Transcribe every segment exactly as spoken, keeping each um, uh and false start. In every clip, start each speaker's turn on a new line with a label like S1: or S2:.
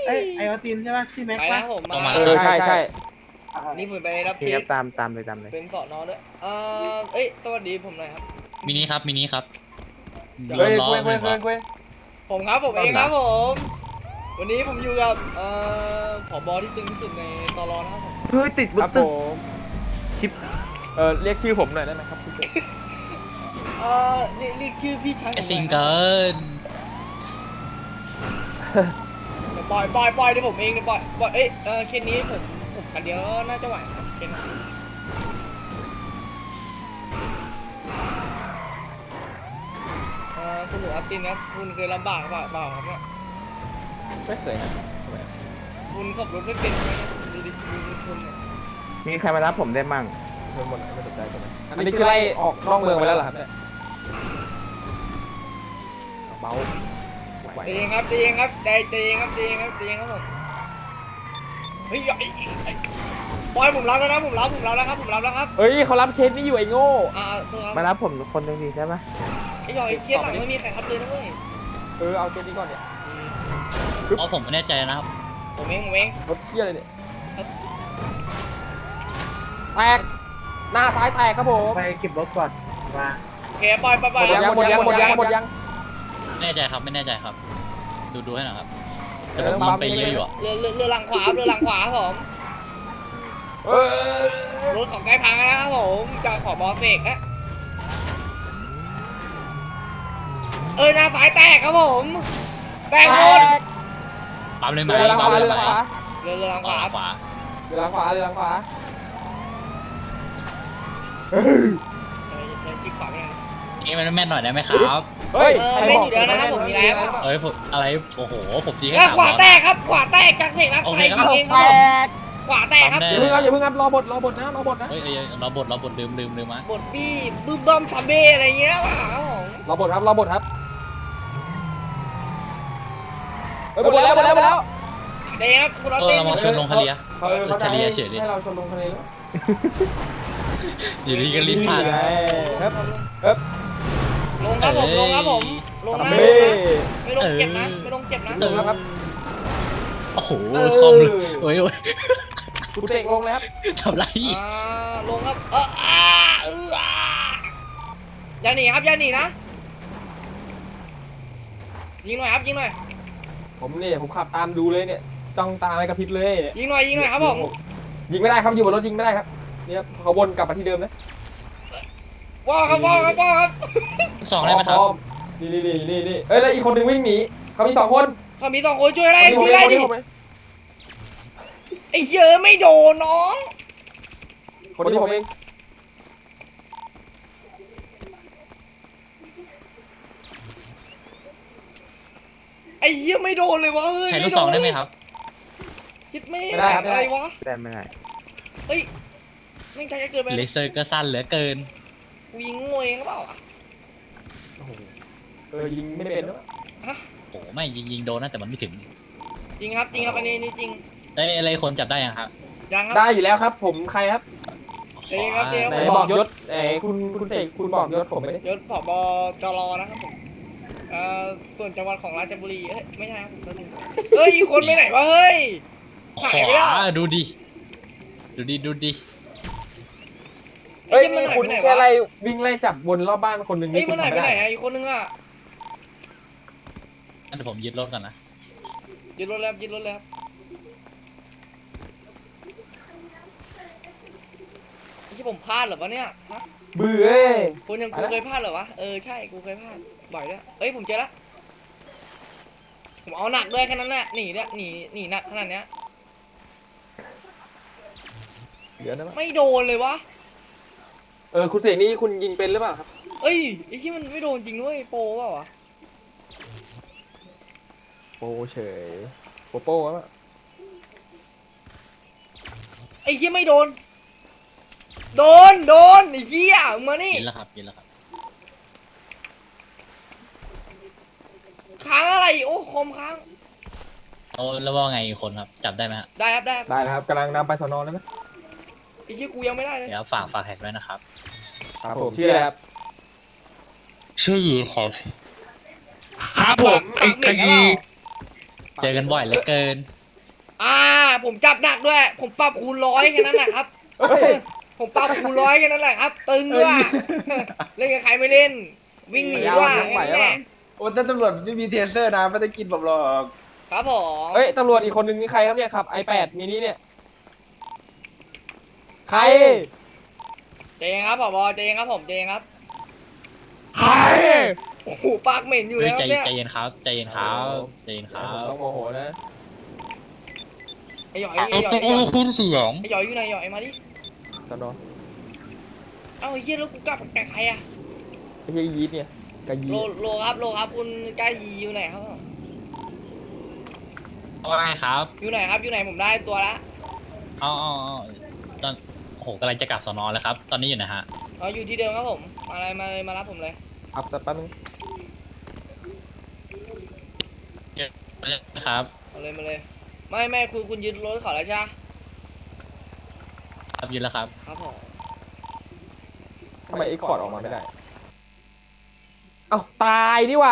S1: เอ้ยไอออตินใช่ป่ะที่แม็ก
S2: ไป
S1: ป่ะ
S2: นะผมมา
S3: เออใช่ใช่
S2: นี่ผมไปรับ
S4: โอเค
S2: ทิ
S4: ครับ
S2: ป
S4: ตามตามเลยตามเลย
S2: เป็นสอนอด้วยเออเอ้ยสวัสดีผมหน่อยครับ
S3: มินิครับมินิครับ
S4: เฮ้ย
S3: ล้อ
S4: เว้ย
S3: ห
S4: เว้
S3: นึ่
S4: ย
S3: ง
S4: เว้
S3: ล้
S4: ย
S3: อ
S4: เว้ย
S2: ผมครับผมเองครับผม วันนี้ผมอยู่กับเอ่อผบที่ตึงที่สุดในตลอนะครับผม
S4: เฮ้ยติด
S1: ค
S4: บุ๊
S1: รับ
S4: ตึ
S1: ผ
S4: ก
S1: มคลิปเออเรียกชื่อผมหน่อยได้ไหมครับพี่เจ
S2: เอ่อนี่นี่คือพี่ชาย
S3: ไอ
S2: ผม
S3: ซิง
S2: นะ
S3: เกิล
S2: เดี๋ยวปล่อยปล่อยปล่อยเดี๋ยวผมเองเดี๋ยวปล่อยปล่อยเอ้ยเออเคสนี้ผมผมคันเดียวน่าจะไหวครับเคสนี้เอ่อคุณหนูอัตตินครับคุณเคยลำบากเปล่าเปล่าครับเนี่ย
S1: ไม่เคยนะ
S2: คุณขับรถไม่เป็นใช่ไหมดูดิดูดิคุณเนี่ย
S4: มีใครมารับผมได้มั่ง
S1: เงินหมดไหนไม่สนใจใช่ไหมอันนี้คือไล่ออกนอกเมืองไปแล้วเหรอครับเนี่ยเบาไหว
S2: ใจเย็นครับใจเย็นครับใจใจเย็นครับใจเย็นครับใจเย็นครับผมเฮ้ยไอ้ไอ้ไอ้บอยผมรับแล้วนะผมรับผมรับแล้วครับผมรับแล้วครับ
S1: เฮ้ยเขารับเคสนี้อยู่ไอ้โง่
S2: อ่าตัวครับ
S4: มารับผมคนหนึ่งดีใช่ไหม
S2: ไอ้หยอยเคสหลังไม่มีใครครับเลยนะเว้ย
S1: เออเอาเคสนี้ก่อนเนี่ย
S3: เพราะผมไม่แน่ใจนะครับ
S2: ผมเองผมเอง
S1: รถเที่ยเลยเนี่ยแตกหน้าซ้ายแตกครับผม
S4: ไปเก็บรถก่อนมา
S2: โอเคปล่อยปล่อยป
S1: หม
S2: ล่อย
S1: ดยังหมดยังหมดยังหมดยัง
S3: ไม่แน่ใจครับไม่แน่ใจครับ ดูดูให้หน่อยครับ
S1: เอ
S3: แต่
S1: อ
S3: ผมยิงไปเยอะอยู่อะ
S2: เรือเรือเรือหลังขวาเรือหลังขวาครับผม
S1: เออ
S2: รถของใกล้พังแล้วนะครับผมจะขอบอเสกนะเออหน้าสายแตกครับผมแตกหมด
S3: ปั๊มเลยไหม
S1: เรือหลังข
S3: ปั๊ม
S1: วา
S3: เล
S1: เรื
S3: ย
S1: อห
S3: ไหม
S1: ลังขวา
S2: เรือเรือหลังข
S3: ขวาว
S2: า
S3: ขวา
S1: เรือหลังขวาเรือหลังขวา
S2: เออเดินจิกขวาไปเลย
S3: นี่มันแม่นหน่อยได้ไหมครับ
S1: เฮ้ย
S2: เออไม่อยู่แล้วนะครับผมมีแล้ว
S3: เอ้ยผมอะไรโอ้โหผมยิงแค่
S2: เออ
S3: สาม
S2: ขวา
S3: ล้อ
S2: แตกครับขวาแตกจากเสกนะ
S3: โอ
S2: ใค
S3: เค
S2: ร
S3: ครับ
S2: ยิงเองค
S1: แต
S2: รับผม
S1: ก
S2: ขวาแตกครับ
S1: อย่าเพิ่งครับอย่าเพิ่งครับรอบทรอบทนะรอบทนะ
S3: เฮ้ยเอ้ยเราบทเราบทลืมลืมลืมมา
S2: บทพี่บึ้มบ้อมซัมเบ้อะไรเงี้ยว่ะครับผม
S1: รอบทครับรอบทครับเฮ้ยหมดแล้วหมดแล้วหมดแล้ว
S2: เดี๋ยวครับคุณรถ
S3: เออ
S2: เต้น
S3: เรามาชนลงทะเล
S1: เขาเออเขาจะ
S3: ทะเล
S1: ให้
S3: เฉยเลย
S1: ให้เราชนลงทะเลแล้ว
S3: อยู่ดีก็รีบผ่าน
S1: ครับครับ
S2: ลงครับผมลงครับผมลงนะ
S1: เบ้
S2: ไม่ลงเจ็บนะไม่ลงเจ็บนะ
S1: ลงแล้วครับ
S3: โอ้โหคอมเลยโอ้ยโอ้ย
S1: กูเตะลงเลยครับ
S3: ทำไร
S2: อ่าลงครับเอออ่าเอออ่าอย่าหนีครับอย่าหนีนะยิงหน่อยครับยิงหน่อย
S1: ผมเนี่ยผมขับตามดูเลยเนี่ยจ้องตาไม่กระพริบเลยเนี่ย
S2: ยิงหน่อยยิงหน่อยครับผม
S1: ยิงไม่ได้ครับอยู่บนรถยิงไม่ได้ครับเนี่ยเขาวนกลับมาที่เดิมนะ
S2: ว้าวครับว้าวครับว้าวครับ
S3: สองได้ไหมครับ
S1: พอนี่นี่นี่นี่นี่เอ้ยแล้วอีกคนหนึ่งวิ่งหนีเขามีสองคน
S2: เขามีสองคนช่วยได้
S1: คน
S2: ช่วยได้ดิ
S1: นี้ผมเอง
S2: ไอ้เหี้ยอะไม่โดนน้อง
S1: คนนี้ผมเอง
S2: ไอ้เหี้ยไม่โดนเลยวะเฮ้ย
S3: ใช้ลูกสองได้ไหมครับ
S2: คิดไม่
S1: ไม่ได้ครับ
S2: อะไรวะ
S4: ได้ไม่ได้
S2: เฮ้ยไม่ใช่จะเกินไป
S3: เลเซอร์ก็สั้นเหลือเกิน
S2: กูยิงงวยเองหรือเปล่าอะ
S1: โอ้โหเออยิงไม่ได้เป็นด้วย
S3: โอ้ไม่ยิงยิงโดนนะแต่มันไม่ถึง
S2: จริงครับจริงครับอันนี้นี่จริง
S3: เอ้ยอะไรคนจับได้ยังครับ
S2: ยังครับ
S1: ได้อยู่แล้วครับ ผมใครครับ
S2: เอ้ยครับเอ้ย
S1: ไหนบอกยศเอ้คุณคุณเสกคุณบอกยศผมไม่ได้
S2: ยศผบจรนะครับผมเอ่อส่วนจังหวัดของราชบุรีเอ้ยไม่ใช่ครับผมตัวหนึงเฮ้ยอีกคนไปไหนวะเฮ้ย
S3: ข
S2: หายไปแล้ว
S3: วาดูดิดูดิดูดิ
S1: เฮ้ย
S2: ไอ้
S1: มี
S2: เหี้ย
S1: คุณ
S2: มันหายไป
S1: แค่
S2: ไหนวะ
S1: ไล่วิ่งไล่จับวนรอบบ้านคนหนึ่ง
S2: เฮ้ย
S1: นี่คุ
S2: มัน
S1: ณ
S2: หาย
S1: ทำ
S2: ไป
S1: ไม่
S2: ไหน
S1: ได้
S2: อะอีกคนนึงอะ
S3: งั้นเดี๋ยวผมยึดรถก่อนนะ
S2: ยึดรถแล้วยึดรถแล้วที่ผมพลาดเหรอวะเนี่ยฮะ
S1: เบื่อเอ้ย
S2: คุณยังกูเคยพลาดเหรอวะเออใช่กูเคยพลาดบ่อยด้วยเอ้ยผมเจอละผมเอาหนักด้วยแค่นั้นแหละหนีเนี่ยหนีหนีหนักขนาดเนี้ย
S1: เดี๋ยวนะ
S2: ไม่โดนเลยวะ
S1: เออคุณเสกนี่คุณยิงเป็นหรือเปล่าครับ
S2: เอ้ยไอ้ที่มันไม่โดนจริงด้วยโปรเปล่าวะ
S1: โปเฉยโปโป้วะ
S2: ไอ้ที่ไม่โดน โดนโดนไอ้เหี้ยมึงมานี่
S3: ยินแล้วครับยินแล้วครับ
S2: ค้างอะไรโอ้คอมค้าง
S3: เอาแล้วว่าไงอีกคนครับจับได้ไหมฮะ
S2: ได้ครับได้ครับ
S1: ได้นะครับกำลังนำไปสอนอแล้วนะ
S2: ไอ้ที่กูยังไม่ได้เลย
S3: เดี๋ยวฝากฝากแท็กไว้นะครับ
S1: ครับผมชื่ออะไรครับ
S3: ชื่อยีครับ
S5: ครับผมไอ้
S2: ปากเหม็
S5: ไอ้
S2: นหรือเปล่า
S3: เจอกันบ่อยเหลือเกิน
S2: อ่า ผมจับหนักด้วย ผมปรับคูณร้อยแค่นั้นแหละครับ
S1: เฮ้ย
S2: ผมปรับคูณร้อยแค่นั้นแหละครับ ตึงด้วย เล่นกับใครไม่เล่น วิ่งหนีด้วย
S1: ยาวๆไหว
S2: แค่
S1: ปะ
S2: นั้นแหละ
S5: โอ้แต่ตำรวจไม่มีเทเซอร์นะไม่ได้กินผมหรอก
S2: ครับผม
S1: เฮ้ยตำรวจอีกคนนึงนี่ใครครับเนี่ยขับ ไอแปด มินิเนี่ยใคร
S2: เจงครับผบเจงครับผมเจงครับ
S1: ใคร
S2: โอ้โหปากเหม็นอยู่
S3: เฮ้ย
S2: แล้ว
S3: ใจ
S2: เนี่ย
S3: ใจเย็นครับใจเย็นครับใจเย็นค
S1: ผ
S3: รั
S1: ม
S3: บ
S1: ต้องโมโหนะ
S2: ไอ้หยอย
S3: เอา
S2: ไอ้หยอย
S3: โอ้โหคุณเสียง
S2: ไอ้หยอยอยู่ไหนหยอยมาดิ
S1: ตอนนอน
S2: เอ้าไอ้เหี้ยแล้วกูกลับกับใครอะ
S1: ไอ้เหี้ยยีดเนี่ยกะยี
S2: โลโลครับโลครับคุณกล้ายีอยู่ไหนครับ
S3: ว่าไงครับ
S2: อยู่ไหนครับอยู่ไหนผมได้ตัวละ
S3: เอ๋อาเอาตอนโอ้โหกำลังจะกลับสอนอแล้วครับ ตอนนี้อยู่นะฮะ
S2: อ๋ออยู่ที่เดิมครับผมมาเลยมาเลยมารับผมเลย
S1: อับแต่แป๊บนึง
S3: ครับ
S2: มาเลยมาเลย ไม่ไม่คุณคุณยึดรถเขาแล้วใช่ไหม
S3: ครับยืนแล้วครับ
S2: ครับผม
S1: ทำไมไอ้คอร์ดออกมาไม่ได้ เอ้าตายนี่หว่า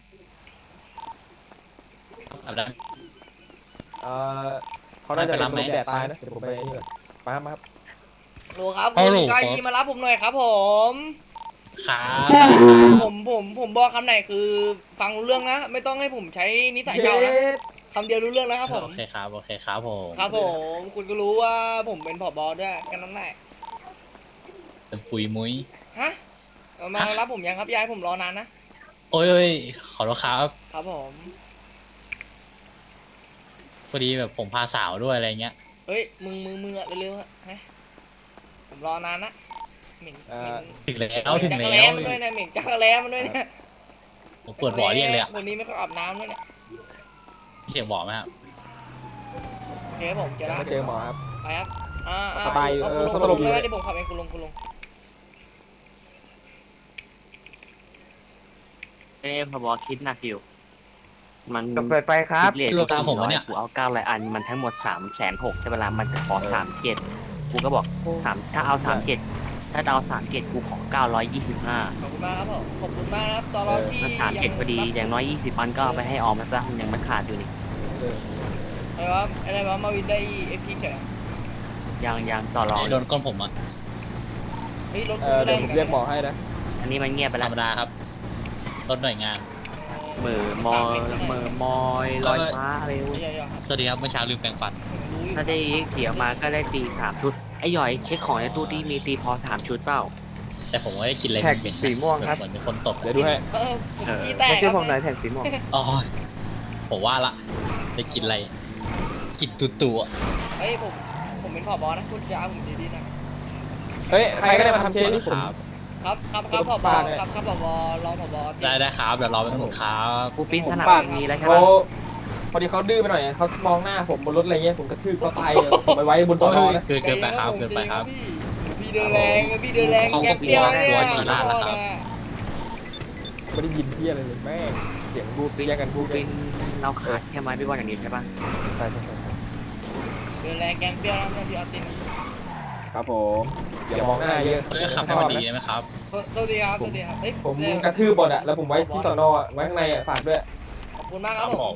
S3: ครับได้
S1: เออเขาน่าจะ
S3: ไป
S1: เป็น
S3: รับไหม
S1: ลมแดดตายนะ เดี๋ยวผมไปนี่ก่อนมาครับมาครับ
S2: โลครับ
S3: เอา
S2: คุณ
S3: โหล
S2: กล้ายีมารับผมหน่อยครับผม
S3: ครับ
S2: ผมผมผมบอกคำไหนคือฟังรู้เรื่องนะ ไม่ต้องให้ผมใช้นิสัยเก่านะ
S1: เย้
S2: คำเดียวรู้เรื่องนะครับผม
S3: โอเคครับโอเคครับผม
S2: ครับผม คุณก็รู้ว่าผมเป็นผบด้วยกันนั่นแหละ
S3: เป็นปุยมุ้ย
S2: ฮะเอามารับผมยังครับยายผมรอนานนะ
S3: โอ้ยโอ้ยขอโทษครับ
S2: ครับผม
S3: พอดีแบบผมพาสาวด้วยอะไรเงี้ย
S2: เฮ้ยมึงมึงมึงอะเร็วๆอะฮะผมรอนานนะเหม็น
S1: เอ่
S2: เหม็
S1: อ
S2: น
S3: ถึงแล้
S2: เห
S3: ว
S2: ม็น
S3: ถึง
S2: จักร
S3: แล้
S2: แล้
S3: ว
S2: มันด้วยนะเหม็นจักรแล้มันด้วยเนี่ย
S3: ผมปวดบ่อเรียกเลยอะ
S2: คนนี้ไม่ค่อยอาบน้ำด้วยเนี่ย
S3: เสียงบ่อไหมครับ
S2: โอเคผมเจอ
S1: ยัง
S2: ละ
S1: ไม่เจอหมอครับ
S2: ไปครับอ่าอ่า
S1: สบายอยู่
S2: เอ
S1: เออ
S2: คุณ
S1: เขา
S2: ลง
S1: ตลบอยู่
S2: ไม่ได้ผมขับเองคุณลงคุณลง
S6: เอ้พบคิดหนักอยู่ มัน
S4: จบไปครับ
S6: คิดเลท
S3: โลตามผมวะเนี่ย
S6: กูเอาเก้าร้อยอัน มันทั้งหมดสามแสนหกใช่เวลามันจะขอสามเจ็ดกูก็บอกสามถ้าเอาสามเจ็ดถ้าเอาสามเจ็ดกูขอเก้าร้อยยี่สิบห้า
S2: ขอบคุณมากครับผมขอบคุณมากนะครับตอนเราที่
S6: ถ้าสามเจ็ดพอดี อย่างน้อยยี่สิบอันก็เอาไปให้ออมมาซะมันยังมันขาดอยู่นี่
S1: เออ
S2: อะไรวะอะไรวะมาวินได้เอฟพีเฉย
S6: ยังยังต่อรอง
S3: โดนก้นผมอ่ะ
S2: เฮ้ยรถ
S1: เอ
S2: กู
S1: อ
S2: ไม่ได้
S1: เดี๋ยวผมเรียกหมอให้นะ
S6: อันนี้มันเงียบไป
S3: ธร
S6: แล้ว
S3: รมดาครับรถหน่วยงาน
S6: เหมือมอยเหมือมอยลอยฟ้าอะไรวะ
S2: เยอะๆครับ
S3: สวัสดีครับเมื่อเช้าลืมแปรงฟัน
S2: รู้อยู่
S6: ถ้าได้เขียวมาก็ได้ตีสามชุด ไอ้หย่อยเช็คของในตู้ที่มีตีพอสามชุดเปล่า
S3: แต่ผมไม่ได้กินอะไร
S4: แท็ก
S3: เหม็นๆ
S4: สีม่วงครับ
S3: เหมือนเป็นคนตบ
S1: เดี๋ยวดูให้
S2: เออผมขี้แตก
S4: ไม่
S2: ค
S4: ใช่
S2: รับ
S4: ผมหน่อยแท็กสีม่วง
S3: อ๋อผมว่าละจะกินอะไร กินตุ่ๆอะ
S2: เฮ้ยผมผมเป็นผบนะคุณจะเอาผมดีๆนะ
S1: เฮ้ย ใครก็ได้มาทำเคสนี่ผม
S3: ครับ
S2: ครับครับครับผบ
S1: ปาดเลย
S2: ครับครับผบรองผบ
S3: ได้ได้ครับเดี๋ยวรอเป็นหมดครับ
S6: กูปิ้นสนับ
S1: ปาด
S6: มีแล้วใช่
S1: เขา
S6: ปะ
S1: พอดีเขาดื้อไปหน่อยเขามองหน้าผมบนรถอะไรเงี้ยผมกระทืบเขาตายเลยผมไปไว้บนโต๊ะนะ
S3: เกินเกินไปครับเกินไปครับ
S2: พี่เดินแรงพี่เดินแรง
S3: เขาก็
S2: แกเปรี้ยวเนี่ย
S3: กลัวฉี่ราดแล้วครับ
S1: ไม่ได้ยินที่อะไรเลยแม่งเสียงบูดแยกกันบู
S6: กู
S1: ดเล
S6: ปิ้
S1: ย
S6: นเราขาดแค่ไม้พี่บอลอย่างนี้ใช่ปะ
S1: ใช่ใช่ใช่
S2: เดินแรงแกงเปรี้ยวนะพี่ออติน
S1: ครับผมอย่ามองหน้าเยอะ
S3: เฮ้ยขับให้
S1: ช
S3: มั
S1: อน บ
S3: ดี
S1: นะ
S3: ได้ไหมครับ
S2: สวัสดีครับสวัสดีครับเฮ้ย
S1: ผมกระทืบบอดอะแล้วผมไว้ที่สอนอะไว้ข้างในอะฝากด้วย
S2: ขอบคุณมากครับผม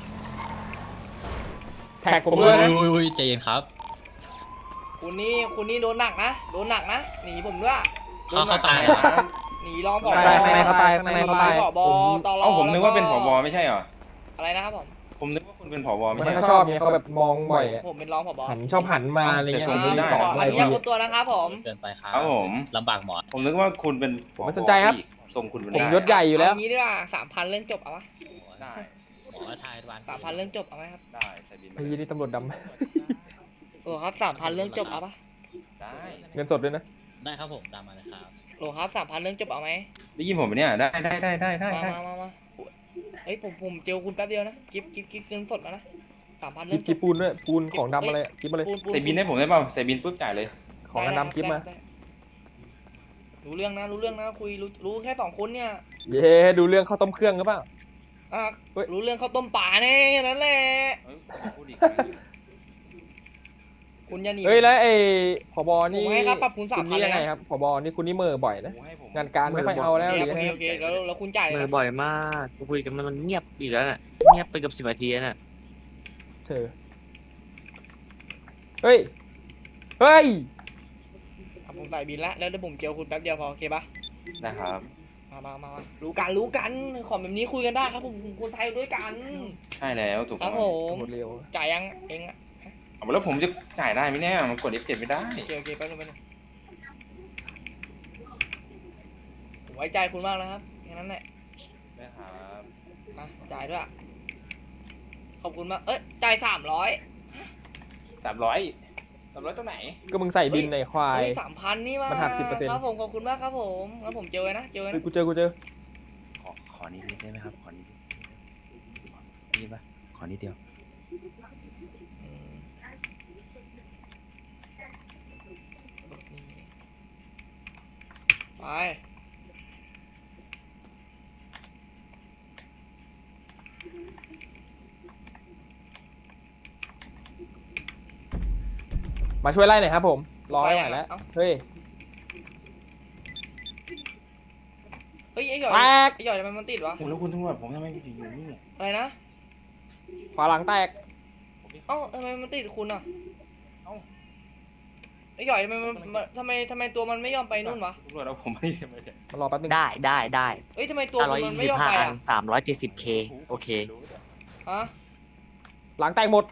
S1: แท็กผม
S3: อุ้
S1: ด้วย ยนะ
S3: อุ้ยอุ้ยใจเย็นครับ
S2: คุณนี่คุณนี่โดนหนักนะโดนหนักนะหนีผมด้วย
S3: เขาเขาตายเหรอ
S2: หนีรองผ
S1: ข้างในเขาตายข้างในเขาตาย
S2: ผบตล
S5: เอ้าผมนึกว่าเป็นผบไม่ใช่เหรอ
S2: อะไรนะครับผม
S5: ผมนึกว่าคุณเป็นผบ
S1: มั
S5: ไม่
S1: น
S5: ใช่
S1: เขา
S5: เหรอ
S1: ชอบไงเขาแบบมองบ่อยอะ
S2: ผมเป็นรองผบ
S1: หันชอบหันมาอะไรเงี้ย
S5: แต่ส่งไม่ได้
S1: สอน
S2: ขอ
S1: อะไร
S2: อนุ
S1: ที
S2: ญาตคนตัวนะครับผม
S3: เกินไปครับ
S5: ครับผม
S3: ลำบากหมอ
S5: ผมนึกว่าคุณเป็นผ
S1: ผมไม่สนใจครับ
S5: อีกส่งคุณเป็น
S1: ผม
S5: ได้
S1: ยศใหญ่อยู่แล้ว
S2: เางี้ดีกว่าสามพันเรื่องจบเอาวะ
S5: ได้
S3: หมอทายวัน
S2: สามพันเรื่องจบเอาไหมครับ
S5: ได้ใส่บิน
S1: ไอ้ยี่นี่ตำรวจด
S2: โอ้ครับสามพันเรื่องจบเอาปะ
S5: ได้
S1: ำเงินสดด้วยนะ
S3: ได้ครับผมตามมาเลยครับ
S2: โอ้ครับสามพันเรื่องจบเอาไหม
S5: ได้ยินผมไหมเนี่ยได้ได้ได้ได้ได้
S2: มา
S5: ได้
S2: มามามาเฮ้ยผมผมเจอคุณแป๊บเดียวนะกิฟกิฟกิฟเงินสดมานะสามพัน
S1: กิ
S2: เรื่
S1: บ
S2: องจ
S1: กิ
S2: บบ
S1: ปูนด้วยปูนของดำอะไรอะกิบมาเลย
S2: ปูนปูน
S5: ใส่บินให้ผมได้เปล่าใส่บินปุ๊บจ่ายเลย
S1: ของดำกิบมา
S2: ได้รู้เรื่องนะรู้เรื่องนะคุยรู้รู้แค่สองคนเนี่ย
S1: เย้ดูเรื่องข้าวต้มเครื่องหรือเปล่า
S2: อ่ะ
S1: เฮ้ย
S2: รู้เรื่องข้าวต้มป่าแน่แค่นั้นแหละ
S5: เฮ้ยพูดอีก
S2: คุณอย่าหนี
S1: เฮ้ยแล้วไอ้ผบ
S2: ผ
S1: นี่
S2: มให้ครับปรับคุณสา
S1: คุ
S2: ม
S1: ณ
S2: พัน
S1: นี่
S2: เล
S1: ยั
S2: ย
S1: งไง
S2: นะครับ
S1: ผบนี่คุณนี่เหมื่อบ่อยนะ
S5: ให้ผม
S1: งานการไม่ค่อยเอาแล้วหรือ
S2: โอ
S1: ยัง
S2: เค
S1: ไง
S2: โอเคแล้วแล้วคุณจ่ายเลย
S6: เมื่อ
S2: นะ
S6: บ่อยมากกูคุยกันมันมันเงียบอีกแล้วน่ะ เงียบไปเกับสิบนาทีแล้วน่ะ
S1: เธอเฮ้ย เฮ้ย
S2: อ่ะผมใส่บินละแล้วเดี๋ยวผมเจอคุณแป๊บเดียวพอโอเคปะ
S5: นะครับ
S2: มามามามารู้กันรู้กันของแบบนี้คุยกันได้ครับผมคนไทยด้วยกัน
S5: ใช่แล้วถูก
S2: ค
S5: ต้
S2: รั
S5: อบ ง
S2: ผม
S1: หมดเร็ว
S2: จ่ายยังเองอะ
S5: เอาแล้วผมจะจ่ายได้ไหมเนี่ยมันกด เอฟ เจ็ด ไม่ได้
S2: โอเคโอเคแป๊บนึงแป๊บนึงผมไว้ใจคุณมากนะครับแค่นั้นแหละ
S5: นะครับ
S2: อ่ะจ่ายด้วยอะขอบคุณมากเอ้ยจ่ายสามร้อย
S5: สามร้อยสามร้อยตัวไหน
S1: ก็มึงใส่บินในควาย
S2: เฮ้ยสามพันนี่มา
S1: มันหักสิบเปอร์เซ็นต์
S2: ครับผมขอบคุณมากครับผมงั้นผมเจอนะเจอ
S1: เฮ้ย
S2: นะ
S1: กูเจอ กูเจอ
S5: ขอขอนิดนิดได้ไหมครับ ขอนิดนิดนี่ปะขอนิดเดียว
S2: อืมไป
S1: มาช่วยไล่หน่อยครับผม รอไม่ไหวแล้ว
S2: เอ้า
S1: เฮ้ย
S2: เฮ้ยไอ้หยอย
S1: แตก
S2: ไอ้หยอยทำไมมันติดวะ
S5: โอ้แล้วคุณตำรวจผมทำไมอยู่อยู่นี่
S2: อะไรนะ
S1: ขวาหลังแตก
S2: เอ้าทำไมมันติดคุณอ่ะ
S5: เอ้า
S2: ไอ้หยอยทำไมมันมันทำไมทำไมตัวมันไม่ยอมไปนู่นวะ
S5: ตำรวจเอาผมไม่ทำไมเนี่ย
S1: มารอแป๊บนึง
S6: ได้ได้ได้
S2: เอ้ยทำไมตัว
S6: ห้าร้
S2: มั
S6: อย
S2: น
S6: ยี่
S2: ไม่
S6: สิ
S2: ยอม
S6: บห้า
S2: ไป
S6: อัน
S2: อ่ะ
S6: สามร้อยเจ็ดสิบเคโอเค
S2: ฮะ
S1: หลังแตกหมด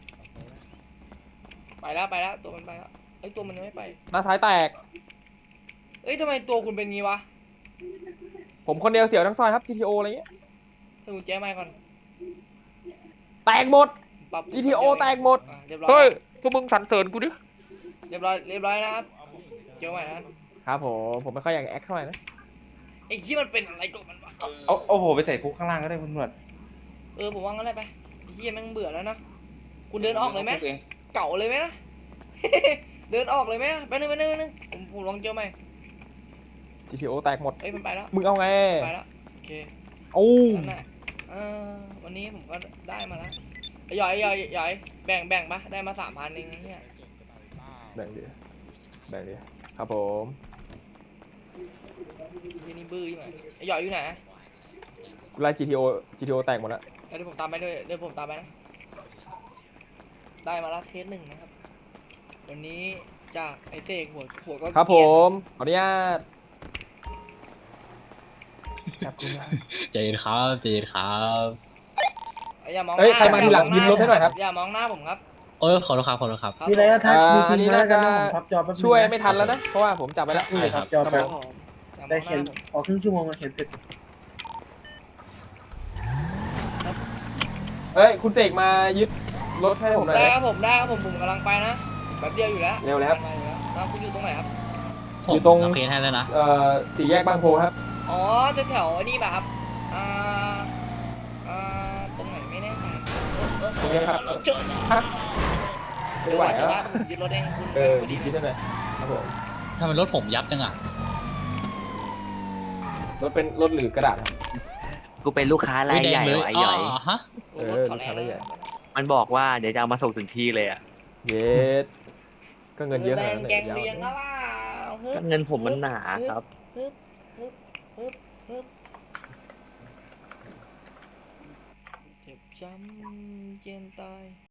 S2: ไปแล้วไปแล้วตัวมันไปแล้วเอ้ยตัวมันยังไม่ไป
S1: หน้าท้ายแตก
S2: เอ้ยทำไมตัวคุณเป็นงี้วะ
S1: ผมคนเดียวเสียวทั้งซอยครับ จี ที โอ อะไรเงี้ย
S2: ให้คุณแจ้ไมค์ก่อน
S1: แตกหมด
S2: ปรับ
S1: จี ที โอ แตกหมด
S2: อ่ะเรียบร้อย
S1: เฮ้ย พวกมึงสรรเสริญกูดิ
S2: เรียบร้อยเรียบร้อยนะครับเจอใหม่นะครับ
S1: ผม ผมไม่ค่อยอยากแอคเท่าไหร่นะ
S2: ไอ้ที่มันเป็นอะไรกับมันวะเออ
S5: เอาเอาโหไปใส่คุกข้างล่างก็ได้คุณตำรวจ
S2: เออผมว่างั้นเลยไปไอ้ที่แม่งเบื่อแล้วนะคุณเดินออกเลยไหม
S5: คุกอง
S2: เก่าเลยไหมนะ เดินออกเลยไหมไปบนึงไปบนึงไปบนึงผมผมลองเจอใหม่
S1: จี ที โอ แตกหมด
S2: เอ้ยมันไปแล้ว
S1: มึงเอาไง
S2: ไปแล้วโอเค
S1: โอ้
S2: นั่นแหละเออวันนี้ผมก็ได้มาแล้วหย่อยหย่อยหย่อยแบ่งแบ่งปะได้มาสามพันเองไอ้เนี่ย
S1: แบ่งดิแบ่งดิครับผม
S2: ที่นี่บื้อยี่ไหมไอ้หย่อยอยู่ไหน
S1: กูไล่ จี ที โอ จี ที โอ แตกหมดแล้ว
S2: เดี๋ยวผมตามไปด้วยเดี๋ยวผมตามไปนะได้มาแล้วเคสหนึ่งนะครับ วันนี้จากไอ้เสกหัวหัวก็
S1: ครับผ
S2: เกลียด
S1: ม ขออนุญาตจับกูนะ
S3: ใจเย็นครับใจเย็นครับ
S2: อย่ามองห
S1: เฮ้ย
S2: น้า
S1: ใครมาทีหลัง
S2: อย่
S1: ยืนรถให้หน่อยครับ
S2: อย่ามองหน้าผมครับ
S3: โอ้ยขอโทษครับขอโทษครับ
S2: ครับ
S7: มีอะไรก็ทัก
S1: อ่า
S7: มี
S1: อั
S7: พิ
S1: น
S7: ม
S1: นี้
S7: พ์มาแล้วกันนะ
S1: น่าจะ
S7: ผมพับจอแป๊บนึงนะ
S1: ช่วยไม่ทันแล้วนะ เพราะว่าผมจับไปแล้ว
S7: นี่เลยพับจอ
S2: ค
S7: แป๊
S2: รั
S7: บบ
S2: ผมอย่าม
S7: ได้
S2: องห
S7: เขียน
S2: น้าผม
S7: ขอครึ่งชั่วโมงอะเขียนเสร็จ
S1: เฮ้ย คุณเสกมายึดรถให้ผมหน่อย
S2: ได้
S1: เลย
S2: ครับผมได้ครับผมผมกำลังไปนะแป๊บเดียวอยู่แล้ว
S1: เร็วเลยครับ
S2: กำลังไปอยู่แล้วอ่าคุณอยู่ตรงไหนครับ
S3: ผม
S1: อยู่ตรง
S3: รับเคสให้แล้วนะ
S1: เอ่อสี่แยกบางโพครับ
S2: อ๋อจะแถวๆไอ้นี่ป่ะครับอ่าอ่าตรงไหนไม่แน่ใจเออเออ
S1: ตรงนี้ครับ
S2: เออเจอแล้ว
S1: ไม่ไหว
S2: เจอ
S1: แล้ว
S2: แล้วผมยึดรถเองคุณ
S1: เออ
S2: คุณ
S1: ยึ
S2: ดี
S1: ดได้ไหมครับผม
S3: ทำไมรถผมยับจังอ่ะ
S1: รถเป็นรถหรือกระดาษครับ
S6: กูเป็นลูกค้าราย
S3: ไม่แด
S6: ให
S3: ง
S6: ญ่
S3: เลย
S6: ว่ะไอ้
S3: อ๋
S6: หย่อย
S3: อฮะ
S2: โอ้รถเขาแรง
S1: เออรถเขาแรง
S2: นะ
S6: มันบอกว่าเดี๋ยวจะเอามาส่งถึงที่เลยอ่ะ
S1: เย็ดก็เงินเยอะ
S2: แร
S1: ขนาด
S2: ง
S1: นั้น
S2: แกง
S1: ยาว
S2: เลี้ยงแล้วว่าฮึ
S6: ก็
S2: บ
S6: เงินผมมันหนาครับ
S2: ฮึบฮึบฮึบฮึบเจ็บช้ำเจียนตาย